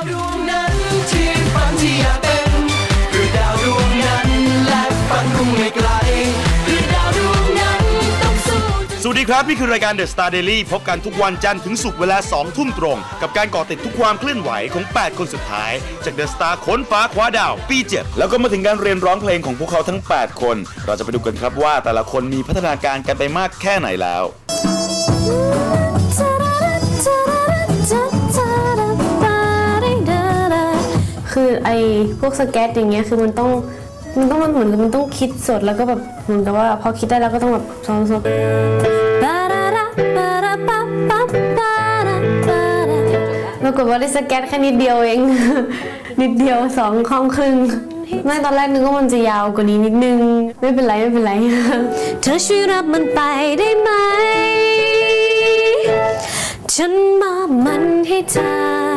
ดวงนั้นที่ฝันที่อยากเป็นคือดาวดวงนั้นและฝันคงไม่ไกลคือดาวดวงนั้นต้องสู้สวัสดีครับนี่คือรายการ The Star Daily พบกันทุกวันจันทร์ถึงศุกร์เวลา 2 ทุ่มตรงกับการเกาะติดทุกความเคลื่อนไหวของ 8 คนสุดท้ายจาก The Star ค้นฟ้าคว้าดาวปี 7 แล้วก็มาถึงการเรียนร้องเพลงของพวกเขาทั้ง 8 คนเราจะไปดูกันครับว่าแต่ละคนมีพัฒนาการกันไปมากแค่ไหนแล้วคือไอ้พวกสเก็ตอย่างเงี้ยคือมันต้องเหมือนมันต้องคิดสดแล้วก็แบบเหมือนกับว่าพอคิดได้แล้วก็ต้องแบบซ้อมปรากฏว่าได้สเก็ตแค่นิดเดียวเอง นิดเดียว2 ข้อครึ่งไม่ตอนแรกนึกว่ามันจะยาวกว่านี้นิดนึงไม่เป็นไรเธอช่วยรับมันไปได้ไหมฉันมอบมันให้เธอ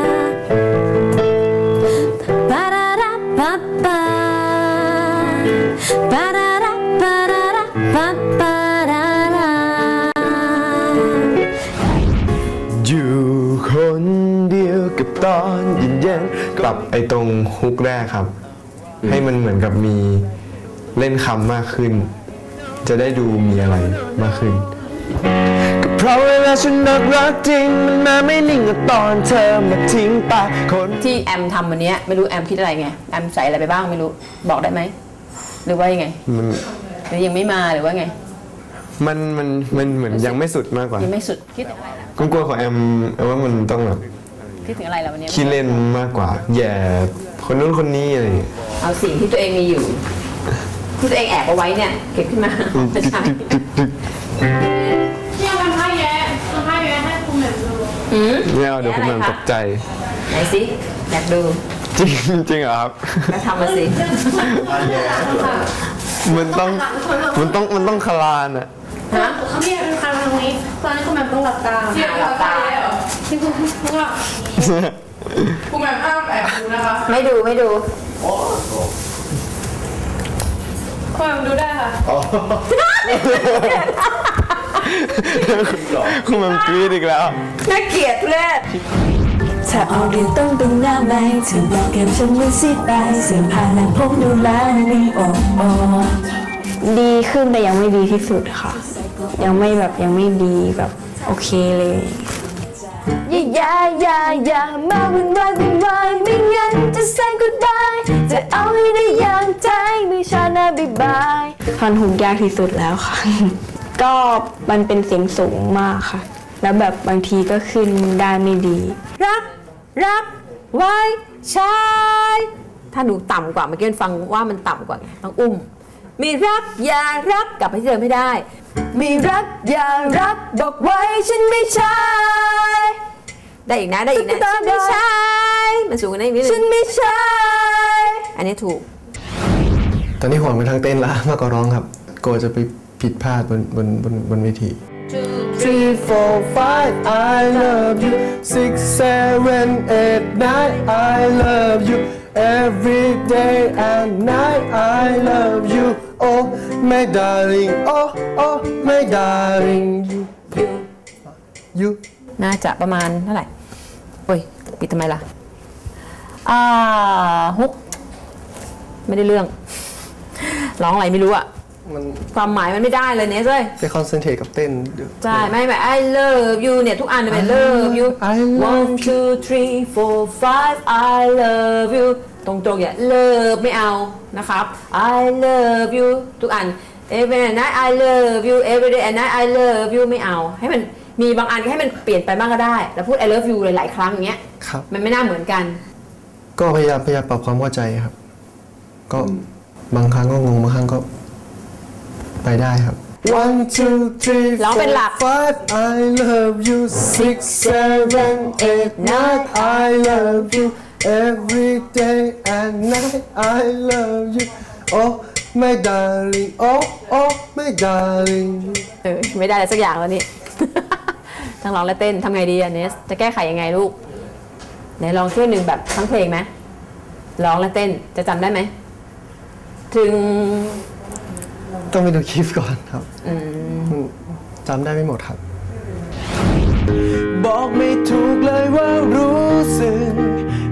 อยู่คนเดียวกับตอนเย็นๆปรับไอ้ตรงฮุกแรกครับให้มันเหมือนกับมีเล่นคำมากขึ้นจะได้ดูมีอะไรมากขึ้นก็เพราะเวลาฉันรักจริงมันมาไม่นิ่งกับตอนเธอมาทิ้งไปคนที่แอมทำวันนี้ไม่รู้แอมคิดอะไรไงแอมใส่อะไรไปบ้างไม่รู้บอกได้ไหมหรือว่ายังไงหรือยังไม่มาหรือว่าไงมันเหมือนยังไม่สุดมากกว่ายังไม่สุดคิดถึงอะไรล่ะกลัวของแอมว่ามันต้องแบบคิดถึงอะไรล่ะวันนี้คิดเล่นมากกว่าแย่คนนู้นคนนี้อะไรเอาสิ่งที่ตัวเองมีอยู่ที่ตัวเองแอบเอาไว้เนี่ยเก็บขึ้นมาไม่ใช่ที่เอาผ้าแย้ให้คุณแม่ดูเนี่ยเดี๋ยวคุณแม่ตกใจไหนสิอยากดูจริงเหรอครับก็ทำมาสิมันต้องคลานอะฮะเขาเรียกเป็นคลานตรงนี้ตอนนี้คุณแม่ต้องหลับตาหลับตาที่คุณว่าคุณแม่อ้ามแอบดูนะคะไม่ดูคุณแม่ดูได้ค่ะคุณแม่กรี๊ดอีกแล้วน่าเกลียดเลยถ้าออกเรียนต้องเป็นหน้าใหม่เธอบอกกับฉันว่าสิไปเสื้อผ้าหนังผมดูแลไม่ดีขึ้นแต่ยังไม่ดีที่สุดค่ะยังไม่ดีแบบโอเคเลยอย่ามาวุ่นวายไม่งั้นจะเซ็นกูได้จะเอาให้ได้อย่างใจไม่ช้านะบ๊ายบายท่อนฮุกยากที่สุดแล้วค่ะ ก็มันเป็นเสียงสูงมากค่ะแล้วแบบบางทีก็ขึ้นได้ไม่ดีรักไว้ชายถ้าหนูต่ำกว่าเมื่อกี้ฟังว่ามันต่ำกว่าไงต้องอุ้มมีรักอย่ารักกลับไปที่เดิมไม่ได้มีรักอย่ารักบอกไว้ฉันไม่ใช่ได้อีกนะฉันไม่ใช่มันสูงกว่านี้นิดนึงฉันไม่ใช่อันนี้ถูกตอนนี้ห่วงไปทางเต้นละมากกว่าร้องครับกลัวจะไปผิดพลาดบนเวที 3, 4, 5 I love you 6, 7, 8, 9 I love you every day and night I love you oh my darling oh my darling you น่าจะประมาณเท่าไหร่โอ้ยปิดทำไมล่ะฮุกไม่ได้เรื่องร้องอะไรไม่รู้อะความหมายมันไม่ได้เลยเนี่ยเลยไปคอนเซนเทรตกับเต้นใช่ไม่ I love you เนี่ยทุกอันเป็น love you 1, 2, 3, 4, 5 I love you ตรงๆอย่า love ไม่เอานะครับ I love you ทุกอัน every night I love you every day and night I love you ไม่เอาให้มันมีบางอันให้มันเปลี่ยนไปบ้างก็ได้แล้วพูด I love you หลายๆครั้งอย่างเงี้ยมันไม่น่าเหมือนกันก็พยายามปรับความเข้าใจครับก็บางครั้งก็งงบางครั้งก็ไปได้ครับ 1, 2, 3, 4, 5 I love you 6, 7, 8, 9 I love you every day and night I love you oh my darling oh my darling ไม่ได้อะไรสักอย่างแล้วนี่ ทั้งร้องและเต้นทำไงดีเนสจะแก้ไขยังไงลูกไหนลองช่วยหนึ่งแบบทั้งเพลงไหมร้องและเต้นจะจำได้ไหมถึงต้องไปดูคลิปก่อนครับจำได้ไม่หมดครับ บอกไม่ถูกเลยว่ารู้สึกดี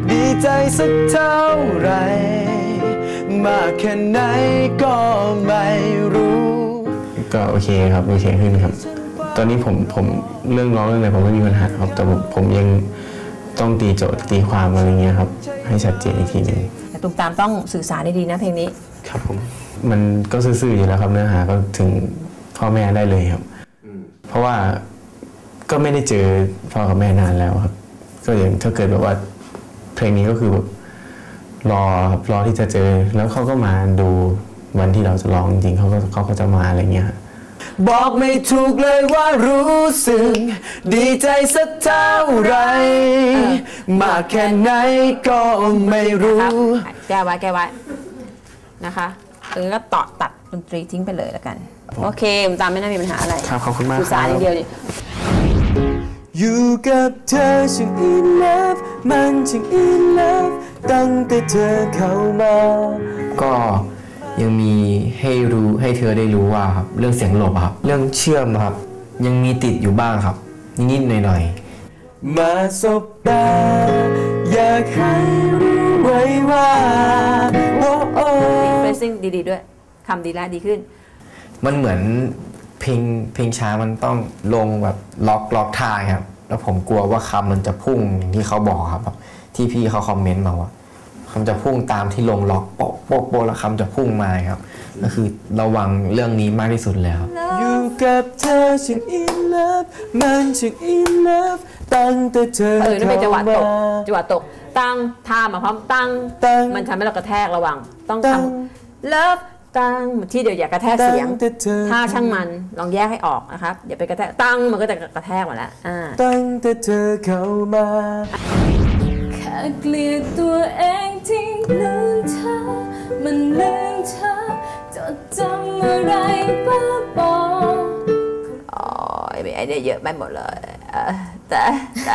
ใจสักเท่าไหรมากแค่ไหนก็ไม่รู้ก็โอเคครับโอเคขึ้นครับตอนนี้ผมเรื่องร้องเรื่องอะไรผมไม่มีปัญหาครับแต่ผมยังต้องตีโจทย์ตีความอะไรเงี้ยครับให้ชัดเจนอีกทีหนึ่งแต่ตุ้มตามต้องสื่อสารได้ดีนะเพลงนี้ครับผมมันก็ซื่อๆอยู่แล้วครับเนื้อหาก็ถึงพ่อแม่ได้เลยครับเพราะว่าก็ไม่ได้เจอพ่อกับแม่นานแล้วครับก็อย่างถ้าเกิดแบบว่าเพลงนี้ก็คือแบบรอที่จะเจอแล้วเขาก็มาดูวันที่เราจะร้องจริงเขาก็จะมาอะไรเงี้ยบอกไม่ถูกเลยว่ารู้สึกดีใจสักเท่าไรมากแค่ไหนก็ไม่รู้แก้ไว้นะคะก็ตัดดนตรีทิ้งไปเลยแล้วกันโอเคตามไม่น่ามีปัญหาอะไรครับขอบคุณมากสื่อสารอย่างเดียวดิอยู่กับเธอช่าง in love มันช่าง in love ตั้งแต่เธอเข้ามาก็ยังมีให้เธอได้รู้ว่าครับเรื่องเสียงหลบครับเรื่องเชื่อมครับยังมีติดอยู่บ้างครับนิดๆหน่อยๆมาสบตาอยากให้รู้ไว้ว่าโอ้โอ้เฟซซิ่งดีๆด้วยคำดีแล้วดีขึ้นมันเหมือนเพลงช้ามันต้องลงแบบล็อกท่าครับแล้วผมกลัวว่าคำมันจะพุ่งอย่างที่เขาบอกครับที่พี่เขาคอมเมนต์มาว่าคำจะพุ่งตามที่ลงล็อกโป๊ะแล้วคำจะพุ่งมาครับก็คือระวังเรื่องนี้มากที่สุดเลยครับอยู่กับเธอช่าง in love มันช่าง in love ตั้งแต่เธอนั่นเป็นจังหวะตกตั้งท่ามาพร้อมตั้งมันทำให้เรากระแทกระวังต้องทำ loveตั้งที่เดี๋ยวอย่ากระแทกเสียงถ้าช่างมันลองแยกให้ออกนะครับอย่าไปกระแทกตั้งมันก็จะกระแทกหมดแล้วตั้งแต่เธอเข้ามาแค่เกลียดตัวเองที่ลืมเธอมันลืมเธอจดจำอะไรบ้าบอมีไอเดียเยอะไปหมดเลยแต่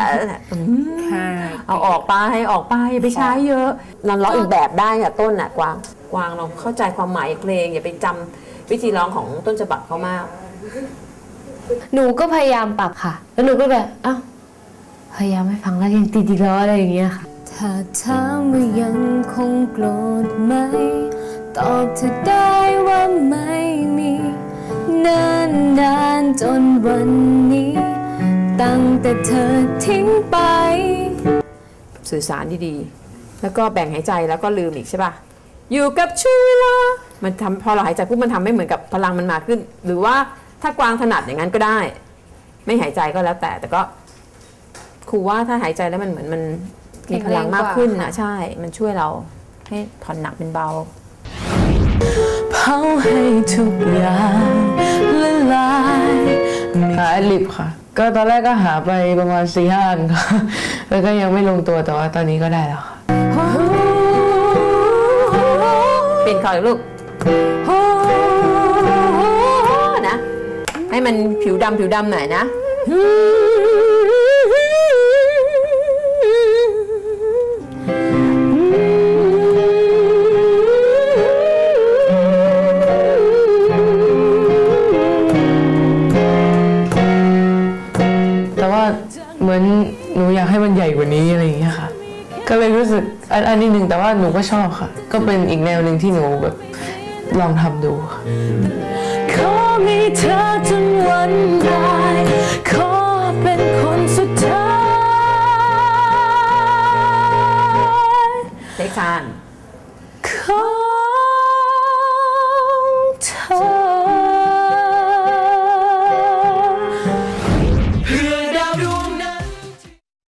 เอาออกไปไปใช้เยอะเราร้องอีกแบบได้ค่ะต้นน่ะกวางเราเข้าใจความหมายเพลงอย่าไปจำวิธีร้องของต้นฉบับเขามากหนูก็พยายามปรับค่ะแล้วหนูก็แบบพยายามไม่ฟังแล้วยังติดอีกแล้วอะไรอย่างเงี้ยค่ะถ้าถามว่ายังคงโกรธไหมตอบเธอได้ว่าไม่มีนานจนวันนี้ตั้งแต่เธอทิ้งไปสื่อสารดีๆแล้วก็แบ่งหายใจแล้วก็ลืมอีกใช่ป่ะอยู่กับช่วงเวลามันทำพอเราหายใจปุ๊บมันทำไม่เหมือนกับพลังมันมาขึ้นหรือว่าถ้ากวางถนัดอย่างนั้นก็ได้ไม่หายใจก็แล้วแต่ก็ครูว่าถ้าหายใจแล้วมันเหมือนมันมีพลังมากขึ้นนะใช่มันช่วยเราให้ผ่อนหนักเป็นเบาเผาให้ทุกอย่างละลายหาลิบค่ะก็ตอนแรกก็หาไปประมาณ 4-5 อันค่ะแล้วก็ยังไม่ลงตัวแต่ว่าตอนนี้ก็ได้แล้วค่ะเปลี่ยนคอร์ดลูกนะให้มันผิวดำหน่อยนะเหมือนหนูอยากให้มันใหญ่กว่านี้อะไรอย่างเงี้ยค่ะก็เลยรู้สึกอันนี้หนึ่งแต่ว่าหนูก็ชอบค่ะก็เป็นอีกแนวหนึ่งที่หนูแบบลองทำดูขอมีเธอจนวันตายขอเป็นคนสุดท้ายเล็กชานขอ